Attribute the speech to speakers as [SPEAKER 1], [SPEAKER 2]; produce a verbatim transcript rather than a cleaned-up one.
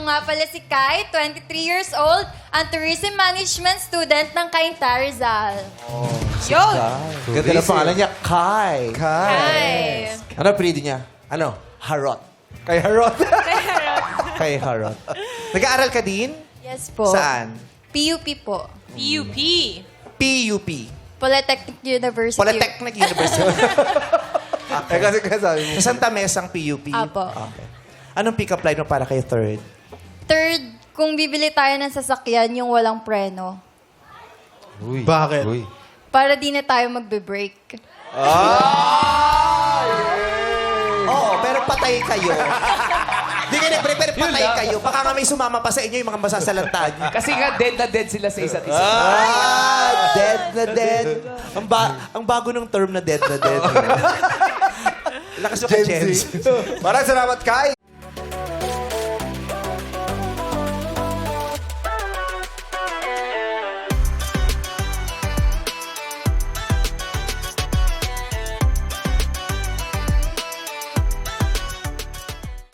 [SPEAKER 1] nga pala si Kai, twenty-three years old, ang tourism management student ng Cainta Rizal.
[SPEAKER 2] Yun!
[SPEAKER 3] Ganda na pangalan niya, Kai.
[SPEAKER 1] Kai.
[SPEAKER 3] Ano apelido niya? Ano? Harot.
[SPEAKER 4] Kay Harot.
[SPEAKER 3] Kay Harot. Nag-aaral ka din?
[SPEAKER 1] Yes po.
[SPEAKER 3] Saan?
[SPEAKER 1] P U P po.
[SPEAKER 2] P U P.
[SPEAKER 3] P U P.
[SPEAKER 1] Polytechnic University.
[SPEAKER 3] Polytechnic University.
[SPEAKER 4] Eh kasi kasi sabi mo.
[SPEAKER 3] Sa Santa Mesa ang P U P?
[SPEAKER 1] Apo.
[SPEAKER 3] Okay. Anong pick-up line mo para kay third?
[SPEAKER 1] Third, kung bibili tayo ng sasakyan, yung walang preno.
[SPEAKER 4] Bakit?
[SPEAKER 1] Para di na tayo magbe-break.
[SPEAKER 3] Oo, pero patay kayo. Di kayo nag-break, pero patay kayo. Baka nga may sumama pa sa inyo yung mga masasalanta niyo.
[SPEAKER 5] Kasi nga dead na dead sila sa isa't isa.
[SPEAKER 3] Ah, dead na dead. Ang, ba ang bago ng term na dead na dead. Lakas yung kay
[SPEAKER 4] Gen
[SPEAKER 3] Gen
[SPEAKER 4] Z.
[SPEAKER 3] Z.
[SPEAKER 4] Maraming salamat, Kai.